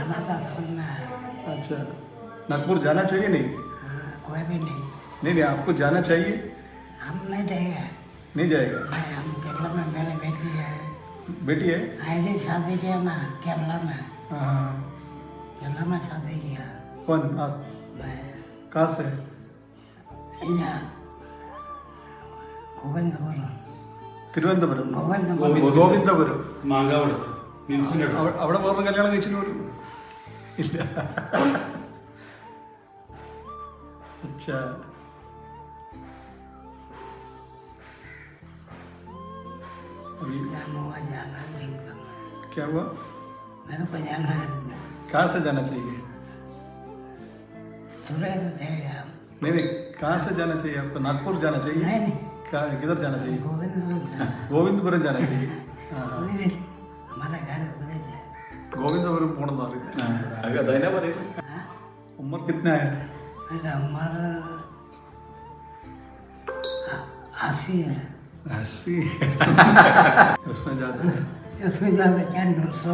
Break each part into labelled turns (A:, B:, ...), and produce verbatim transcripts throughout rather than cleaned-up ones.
A: अच्छा, नागपुर जाना चाहिए नहीं?
B: कोई भी नहीं।
A: नहीं नहीं, आपको जाना चाहिए?
B: हम नहीं जाएगा।
A: नहीं जाएगा?
B: नहीं, हम केरला में मेरी बेटी है।
A: बेटी है?
B: ऐसे शादी किया ना केरला में।
A: हाँ।
B: केरला में शादी किया।
A: कौन आप?
B: मैं
A: कहाँ से?
B: यहाँ गोविंदपुरम।
A: തിരുവനന്തപുരം.
B: गोविंदपुरम।
A: ഗോവിന്ദപുരം.
C: മാങ്കാവടത്ത് മിംസിന്റെ അടുത്ത്.
A: അവ- അവിടെ വേറൊരു കല്യാണം കഴിച്ചിട്ട് പോലും ഇല്ല. अच्छा, अभी
B: जाना हुआ जाना नहीं करना।
A: क्या हुआ?
B: मेरे को जाना है।
A: कहाँ से जाना चाहिए?
B: थोड़े तो जाएगा।
A: नहीं नहीं, कहाँ से जाना चाहिए आपको? नागपुर जाना चाहिए?
B: नहीं नहीं,
A: कहाँ, किधर जाना चाहिए?
B: गोविंदपुरम जाना।
A: ഗോവിന്ദപുരം जाना चाहिए. हाँ, हाँ.
B: नहीं, नहीं, हमारा घर उधर है।
A: ഗോവിന്ദപുരം പോണെന്ന് അറിയാം.
C: അതന്നെ പറയുന്നത്.
B: हाँ?
A: उम्र कितना है?
B: मेरा उम्र आ- अस्सी है।
A: अस्सी. उसमें ज्यादा है.
B: उसमें ज़्यादा क्या नौ सौ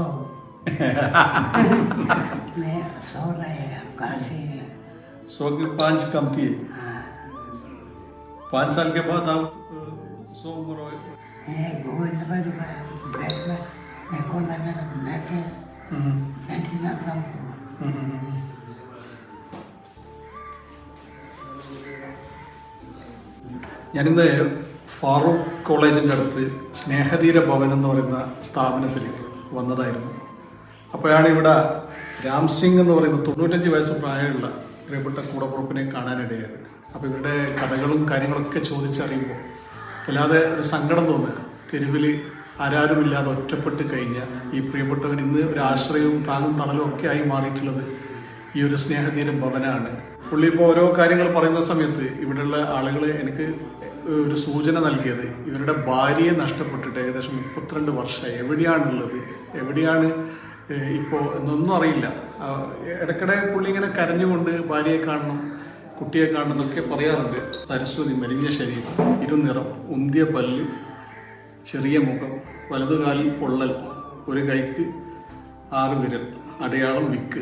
B: नहीं सौ नहीं है काशी है।
A: सौ की पाँच कम थी.
B: हाँ
A: पाँच साल के बाद आप अ, सौ उम्र हो.
B: ये गोविंदपुर बैठ में मेरे को लगा मैं के मैं चिना था
A: ഞാനിന്ന് ഫാറൂഖ് കോളേജിൻ്റെ അടുത്ത് സ്നേഹതീര ഭവൻ എന്ന് പറയുന്ന സ്ഥാപനത്തിൽ വന്നതായിരുന്നു. അപ്പോഴാണ് ഇവിടെ രാം സിംഗ് എന്ന് പറയുന്ന തൊണ്ണൂറ്റഞ്ച് വയസ്സ് പ്രായമുള്ള പ്രിയപ്പെട്ട കൂടപ്പുറപ്പിനെ കാണാനിടയായത്. അപ്പോൾ ഇവരുടെ കഥകളും കാര്യങ്ങളൊക്കെ ചോദിച്ചറിയുമ്പോൾ അല്ലാതെ ഒരു സങ്കടം തോന്നുക. തെരുവിൽ ആരാരുമില്ലാതെ ഒറ്റപ്പെട്ട് കഴിഞ്ഞ ഈ പ്രിയപ്പെട്ടവൻ ഇന്ന് ഒരു ആശ്രയവും താങ്ങും തണലും ഒക്കെ ആയി മാറിയിട്ടുള്ളത് ഈ ഒരു സ്നേഹതീര ഭവനാണ്. പുള്ളി ഇപ്പോൾ ഓരോ കാര്യങ്ങൾ പറയുന്ന സമയത്ത് ഇവിടെയുള്ള ആളുകൾ എനിക്ക് ഒരു സൂചന നൽകിയത് ഇവരുടെ ഭാര്യയെ നഷ്ടപ്പെട്ടിട്ട് ഏകദേശം മുപ്പത്തിരണ്ട് വർഷമായി. എവിടെയാണുള്ളത്, എവിടെയാണ് ഇപ്പോൾ എന്നൊന്നും അറിയില്ല. ഇടയ്ക്കിടെ പുള്ളി ഇങ്ങനെ കരഞ്ഞുകൊണ്ട് ഭാര്യയെ കാണണം, കുട്ടിയെ കാണണം എന്നൊക്കെ പറയാറുണ്ട്. സരസ്വതി, മെലിഞ്ഞ ശരീരം, ഇരുനിറം, ഉന്തിയ പല്ല്, ചെറിയ മുഖം, വലതുകാലിൽ പൊള്ളൽ, ഒരു കൈക്ക് ആറ് വിരൽ, അടയാളം വിക്ക്.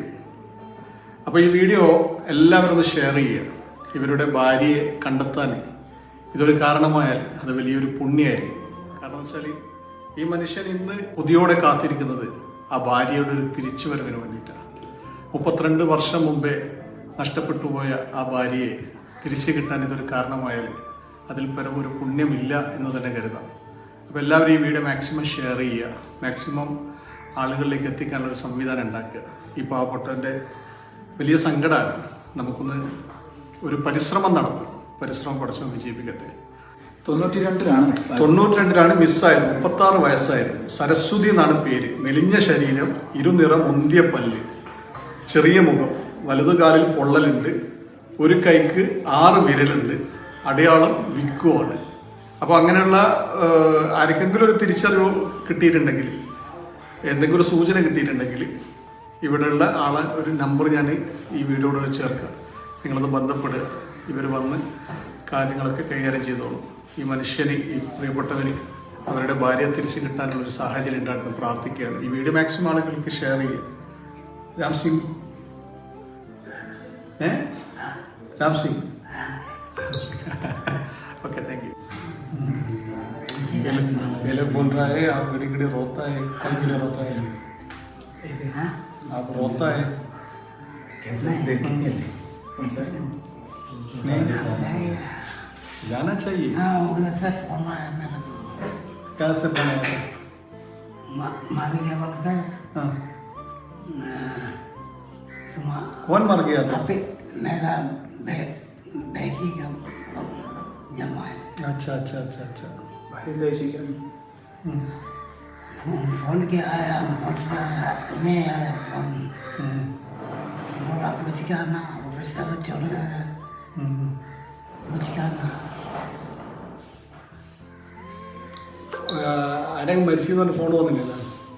A: അപ്പോൾ ഈ വീഡിയോ എല്ലാവരും ഒന്ന് ഷെയർ ചെയ്യുക. ഇവരുടെ ഭാര്യയെ കണ്ടെത്താൻ ഇതൊരു കാരണമായാൽ അത് വലിയൊരു പുണ്യമായിരിക്കും. കാരണം വെച്ചാൽ ഈ മനുഷ്യൻ ഇന്ന് പുതിയോടെ കാത്തിരിക്കുന്നത് ആ ഭാര്യയുടെ ഒരു തിരിച്ചുവരവിന് വേണ്ടിയിട്ടാണ്. മുപ്പത്തിരണ്ട് വർഷം മുമ്പേ നഷ്ടപ്പെട്ടു പോയ ആ ഭാര്യയെ തിരിച്ചു കിട്ടാൻ ഇതൊരു കാരണമായാൽ അതിൽ പരം ഒരു പുണ്യമില്ല എന്ന് തന്നെ കരുതാം. അപ്പോൾ എല്ലാവരും ഈ വീഡിയോ മാക്സിമം ഷെയർ ചെയ്യുക, മാക്സിമം ആളുകളിലേക്ക് എത്തിക്കാനുള്ളൊരു സംവിധാനം ഉണ്ടാക്കുക. ഈ പാവപ്പെട്ടവൻ്റെ വലിയ സങ്കടമാണ്. നമുക്കൊന്ന് ഒരു പരിശ്രമം നടത്തും. പരിശ്രമം പഠിച്ചു വിജയിപ്പിക്കട്ടെ.
C: തൊണ്ണൂറ്റി രണ്ടിലാണ്
A: തൊണ്ണൂറ്റി രണ്ടിലാണ് മിസ്സായത്. മുപ്പത്തി ആറ് വയസ്സായിരുന്നു. സരസ്വതി എന്നാണ് പേര്. മെലിഞ്ഞ ശരീരം, ഇരുനിറം, മുന്തിയ പല്ല്, ചെറിയ മുഖം, വലതുകാലിൽ പൊള്ളലുണ്ട്, ഒരു കൈക്ക് ആറ് വിരലുണ്ട്, അടയാളം വിക്കുവാണ്. അപ്പോൾ അങ്ങനെയുള്ള ആർക്കെങ്കിലും ഒരു തിരിച്ചറിവ് കിട്ടിയിട്ടുണ്ടെങ്കിൽ, എന്തെങ്കിലും ഒരു സൂചന കിട്ടിയിട്ടുണ്ടെങ്കിൽ ഇവിടെയുള്ള ആളെ ഒരു നമ്പർ ഞാൻ ഈ വീഡിയോയോട് ചേർക്കാം. നിങ്ങളത് ബന്ധപ്പെടുക. ഇവർ വന്ന് കാര്യങ്ങളൊക്കെ കൈകാര്യം ചെയ്തോളൂ. ഈ മനുഷ്യന്, ഈ പ്രിയപ്പെട്ടവന് അവരുടെ ഭാര്യയെ തിരിച്ചു കിട്ടാനുള്ളൊരു സാഹചര്യം ഉണ്ടായിരുന്നു. പ്രാർത്ഥിക്കുകയാണ്. ഈ വീഡിയോ മാക്സിമം ആളുകൾക്ക് ഷെയർ ചെയ്യുക. രാം സിംഗ് ഏ Ram Singh okay, thank you. ये लोग बोल रहा है आप घड़ी घड़ी रोता है. कौन के लिए रोता है?
B: हाँ?
A: आप रोता है?
B: नहीं
A: नहीं, जाना चाहिए.
B: हाँ उधर से फोन आया मेरा तो
A: क्या से बनाया था?
B: मार गया बोलता है.
A: हाँ.
B: तुम
A: कौन मर गया था?
B: अभी मेरा बे, बेटी का जमा है.
A: अच्छा अच्छा अच्छा अच्छा. हम्म.
B: फोन फोन किया आया, फोन से आया, नहीं आया फोन.
A: हम्म.
B: बोला पूछ के आना, ऑफिस का चल गया.
A: हम्म.
B: पूछ के आना.
A: ആരെങ്കിലും മരിച്ചു എന്ന് ഫോൺ വന്നില്ല.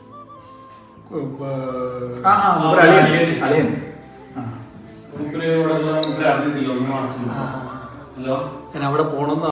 C: ആ ആ അളിയൻ അളിയൻ
A: ഞാൻ അവിടെ പോകണമെന്ന്